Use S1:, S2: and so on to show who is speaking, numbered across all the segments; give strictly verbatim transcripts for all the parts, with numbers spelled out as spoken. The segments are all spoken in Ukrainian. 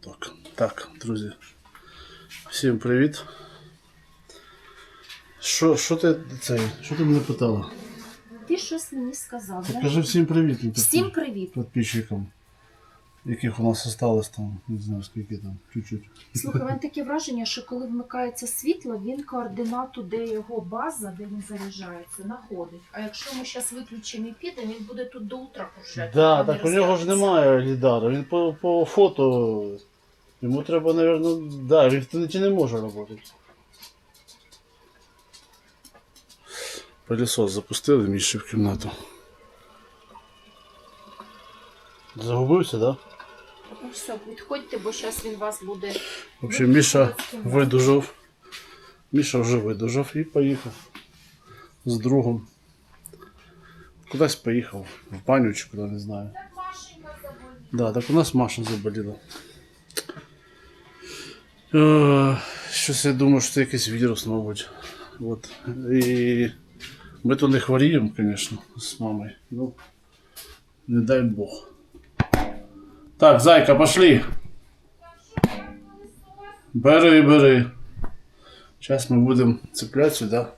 S1: Так, так, друзі, всім привіт. Що, що ти цей, що ти мене питала?
S2: Ти щось мені сказав.
S1: Ти кажи всім привіт.
S2: Всім привіт.
S1: Підписчикам, яких у нас осталось там, не знаю скільки там, чуть-чуть.
S2: Слухай, в мене таке враження, що коли вмикається світло, він координату, де його база, де він заряджається, знаходить. А якщо ми зараз виключимо і підемо, він буде тут до утра кружляти.
S1: Да, так у нього ж немає лідара, він по, по фото, йому треба, мабуть, да, він в інтернеті не може працювати. Пилісос запустили Міші в кімнату. Загубився, да?
S2: Ну все, відходьте, бо зараз він вас буде...
S1: В общем, Міша видужав. Міша вже видужав і поїхав з другом. Кудись поїхав, в баню чи куди, не знаю.
S2: Так Машенька заболіла.
S1: Да, так у нас Маша заболіла. Е, щось я думаю, що це якийсь вірус, мабуть. От. І ми то не хворіємо, звісно, з мамою. Ну, не дай Бог. Так, зайка, пошли. Бери, бери. Зараз ми будемо цепляти сюди.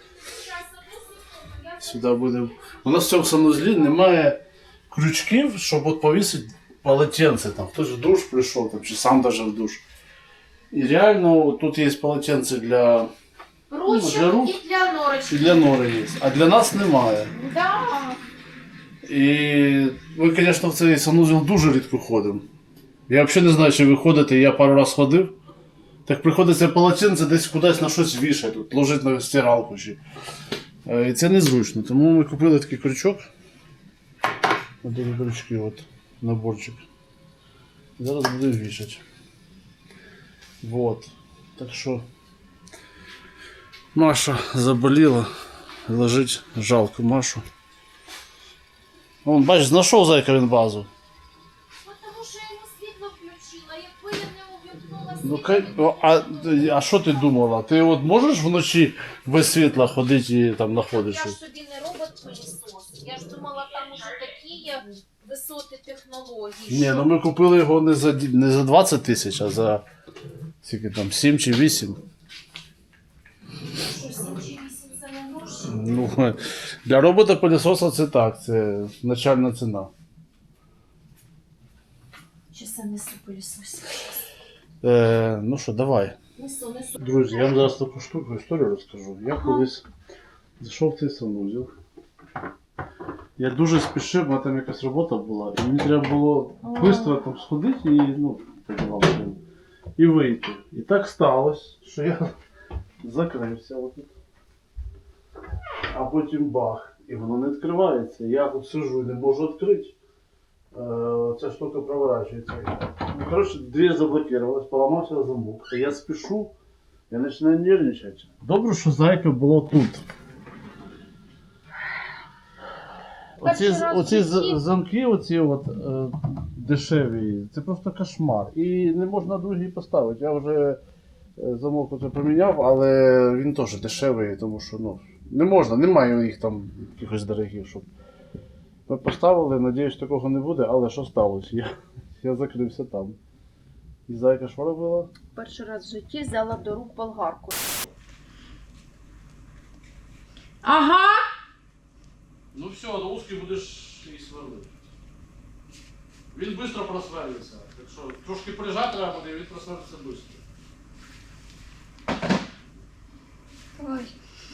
S1: Сюди будемо. У нас в цьому санузлі немає крючків, щоб от повісити полотенце. Там хтось в душ прийшов, там, чи сам даже в душ. І реально тут є полотенце для
S2: Ручок
S1: для рук
S2: і для норочки.
S1: і для нори є. А для нас немає.
S2: Да.
S1: І ми, звісно, в цей санузел дуже рідко ходимо. Я взагалі не знаю, чи ви ходите, я пару раз ходив. Так приходиться полотенце десь кудись на щось вішати, тут, ложити на стиралку. Чи. І це незручно. Тому ми купили такий крючок. Ось такі крючки, от, наборчик. Зараз будемо вішати. Вот. Так що Маша заболіла. Лежить, жалко Машу. Вон, бачиш, знайшов зайка він базу.
S2: Тому що я йому світло включила, якби я не увімкнула
S1: Ну,
S2: світло.
S1: кай- а, а що ти думала? Ти от можеш вночі без світла ходити і там знаходиш
S2: Я ж
S1: щось?
S2: тобі не робот-пилісос. Я ж думала, там уже такі є висоти технологій.
S1: Ні,
S2: що-
S1: ну ми купили його не за, ді- не за двадцять тисяч, а за скільки там, сім чи вісім.
S2: Що, сім чи вісім це не гроші?
S1: Ну, для робота-пилісоса це так, це начальна ціна.
S2: Чи це несу пилісосів?
S1: Е, ну що, давай.
S2: Несу, несу.
S1: Друзі, я вам зараз таку штуку, історію розкажу. Я
S2: Ага.
S1: колись зайшов в цей санузел. Я дуже спішив, у мене там якась робота була, і мені треба було швидко там сходити і, ну, подавав, і вийти. І так сталося, що я закрився отут. А потім бах, і воно не відкривається. Я тут сижу і не можу відкрити. Е, ця штука проворачується. Ну, коротше, двері заблокувалась, поламався замок. А я спішу, я починаю нервничати. Добре, що зайка було тут. Оці,
S2: Перший раз
S1: оці
S2: в житті.
S1: з- замки, оці от, е, дешеві, це просто кошмар. І не можна другий поставити. Я вже е, замок оце поміняв, але він теж дешевий, тому що ну, не можна, немає їх там якихось дорогих, щоб. Ми поставили, надіюсь, такого не буде, але що сталося? Я, я закрився там. І зайка що робила?
S2: Перший раз в житті взяла до рук болгарку. Ага!
S1: Ну все, до узки будеш і сверлити. Він швидко просверлиться. Так що трошки полежати треба буде, і він просверлиться швидко.
S2: Ой.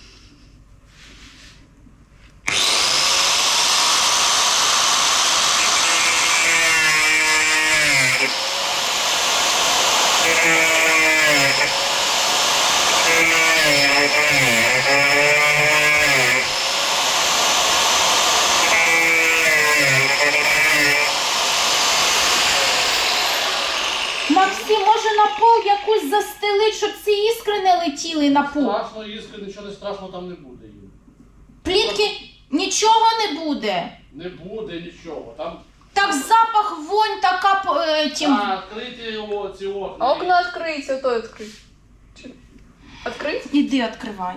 S2: Максим, може на пол якусь застелить, щоб ці іскри не летіли на пол?
S1: Страшно, іскри, нічого не страшного там не буде їм.
S2: Плітки нічого не буде.
S1: Не буде нічого. Там
S2: Так запах, вонь така по- е, тім.
S1: а, відкриті його, ці окна.
S3: А окно открыть, а то открыть. Чи- Открыть?
S2: Іди відкривай.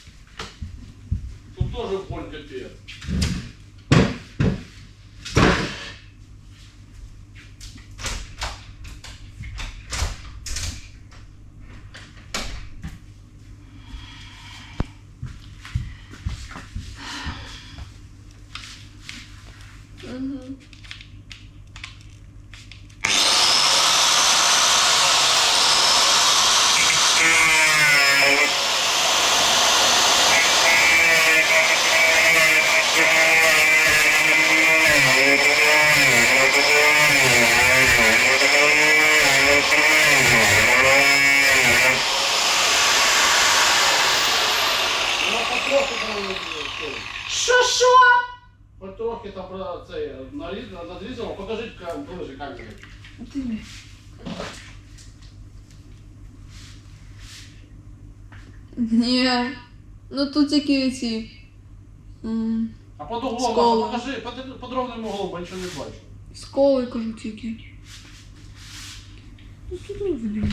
S1: Тут теж вонь капець.
S3: Угу.
S1: Ну, потрохи там цей.
S2: Що, що?
S1: Потрохи там про цей нарізано, надрізано. Покажіть кам- ближче камеру.
S3: Ні. Ну тут тільки ці. м,
S1: А под углом,
S3: Сколи.
S1: Маша, покажи, под, под ровним углом, бо нічого не бачу.
S3: Сколи, кажу тільки. Ну тут не видно.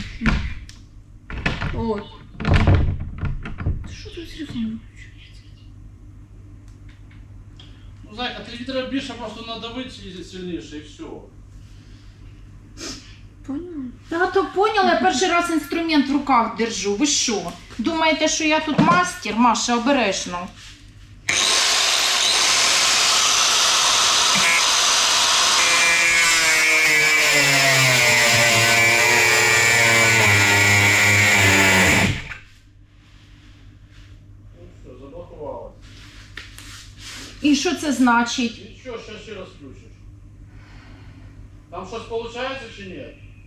S3: От. Що тут телефон?
S1: Ну, Зайка, тобі треба більше просто надавити і сильніше, і все.
S3: Поняла?
S2: Та то поняла, я перший раз інструмент в руках держу. Ви що? Думаєте, що я тут мастер? Маша, обережно.
S1: Ну все, заблокувалось.
S2: І що це значить?
S1: Нічого, ще ще раз включиш. Там щось виходить чи ні?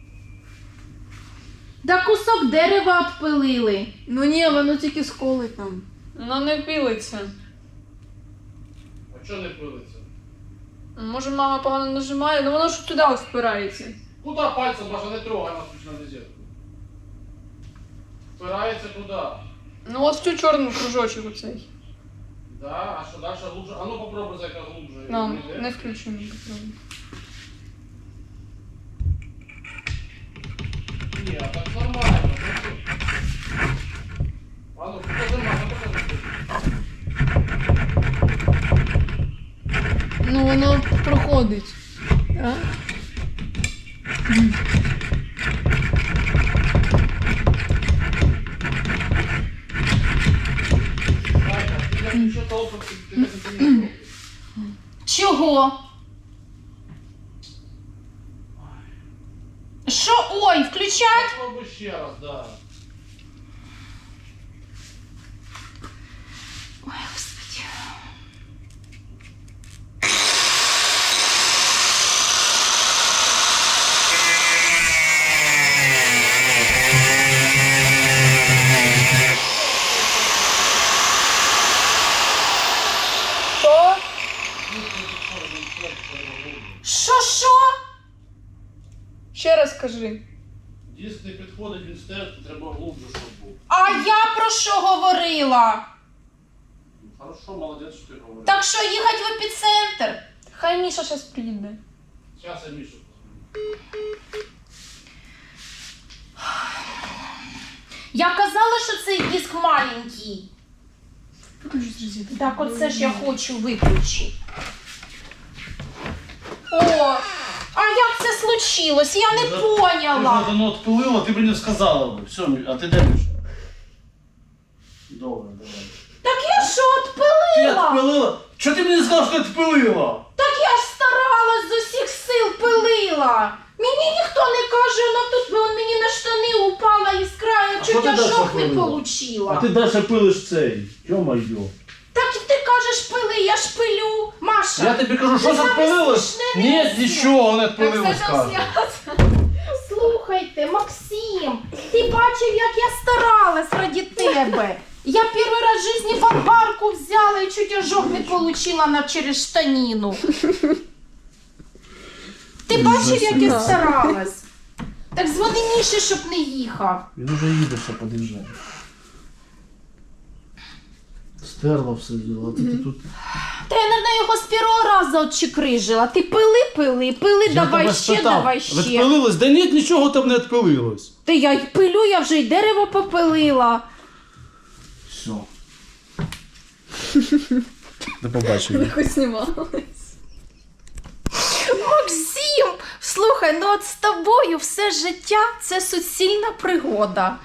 S2: Да кусок дерева відпилили.
S3: Ну ні, воно тільки сколи там. Воно не пілиться.
S1: А чого не пилиться?
S3: Може мама погано нажимає, ну воно ж туди ось впирається.
S1: Куди пальцем, Маша, не трогай нас на розетку. Впирається куди?
S3: Ну от в цю чорну кружочок оцей.
S1: Да, а що далі глубже? А ну попробуй, Зайка, глубже.
S3: Нам
S1: Йде?
S3: не включено. попробуй.
S1: Ні, а так нормально. А ну, покажи, Маша, покажи.
S3: Ну воно проходить. А?
S1: Зайка, ти як нічого толком, ти не розумієш.
S2: Чого? Що? Ой, включать?
S1: Попробуй ще раз, да.
S2: Ой, господи.
S3: Що?
S2: Що, що?
S3: Ще раз кажи.
S1: Диск не підходить, він стерти, треба глубже, щоб був.
S2: А я про що говорила?
S1: Хорошо, молодець, що ти говориш.
S2: Так що їхати в епіцентр?
S3: Хай Міша зараз приїде.
S1: Зараз я Мішу позвоню.
S2: Я казала, що цей диск маленький.
S3: Виключи з розетки.
S2: Так оце ж я хочу виключити. О, а як це случилось? Я не
S1: Ти ж
S2: поняла.
S1: воно відпилило, ти мені сказала б. Все, а ти де Міша? Добре, давай.
S2: Так я що,
S1: Ти
S2: відпилила?
S1: відпилила? Чого ти мені сказав, що ти відпилила?
S2: Так я ж старалась з усіх сил пилила. Мені ніхто не каже, ну тут вон мені на штани упала іскра, я
S1: А що
S2: чуть
S1: ти дальше
S2: ожог не
S1: пилила?
S2: получила.
S1: А ти далі пилиш цей. Йо-моє.
S2: Так ти кажеш пили, я ж пилю. Маша,
S1: Я тобі кажу, що
S2: Ти
S1: це
S2: саме
S1: відпилилось?
S2: смішне
S1: Ні,
S2: місце.
S1: нічого не
S3: Так
S1: відпилилось,
S3: все там
S1: каже.
S3: знято.
S2: слухайте, Максим, ти бачив, як я старалась раді тебе. Я перший раз в житті болгарку взяла і чуть ожог не получила на через штаніну. Ти бачив, як я старалась? Так дзвони Міші, щоб не їхав.
S1: Він уже їде, що під'їжджає. Стерла все діло, а ти тут...
S2: Та я, наверное, його з першого разу отчекрижила. Ти пили, пили, пили, давай ще, давай ще.
S1: Відпилилось? Да ні, нічого там не відпилилось.
S2: Та я й пилю, я вже й дерево попилила.
S1: Все. До побачення.
S3: Хоч знімалась.
S2: Максим, слухай, ну от з тобою все життя це суцільна пригода.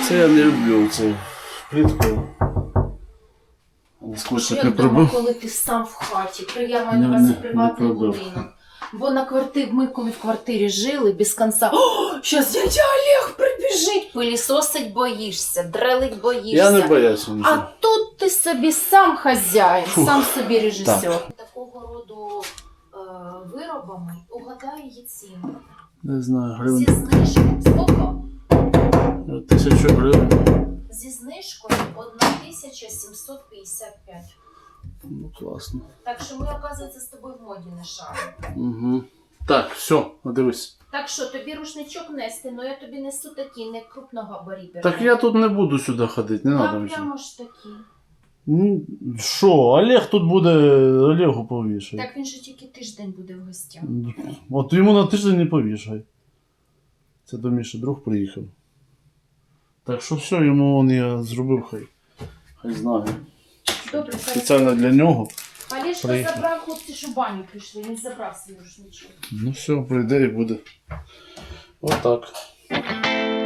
S1: Це я не люблю цю плитку. Скотчик не
S2: Як дома,
S1: пробив.
S2: коли ти сам в хаті, при- я маю
S1: Не-
S2: на увазі
S1: не-
S2: приватний
S1: не пробив.
S2: будинок. Бо на квартирі, ми коли в квартирі жили, без кінця, о, щас дядя Олег прибіжить, пилісосить боїшся, дрелить боїшся.
S1: Я не боявся
S2: А
S1: нічого.
S2: тут ти собі сам хазяїн,
S1: Фух.
S2: сам собі режисер. Такого роду е, виробами угадає її ціну.
S1: Не знаю,
S2: Зі
S1: гривень.
S2: знижкою, скільки?
S1: Тисячу гривень.
S2: Зі знижкою одна тисяча сімсот п'ятдесят п'ять.
S1: Ну, класно.
S2: Так що ми, оказується, з тобою в моді не шаримо.
S1: Угу. Так, все, дивись.
S2: Так що, тобі рушничок нести, але я тобі несу такі, не крупногабаріберні.
S1: Так я тут не буду сюди ходити, не
S2: Та
S1: треба нічого.
S2: прямо ж такі.
S1: Ну, що, Олег тут буде, Олегу повішай.
S2: Так він же тільки тиждень буде в гостях.
S1: От йому на тиждень не повішай. Це до Міші друг приїхав. Так що все, йому он я зробив, хай. Хай знає.
S2: Добре, хай.
S1: Спеціально для нього.
S2: Олежка
S1: Приїхав.
S2: забрав, хлопці, що в баню прийшли, він забрав свій рушничок.
S1: Ну все, прийде і буде. Отак.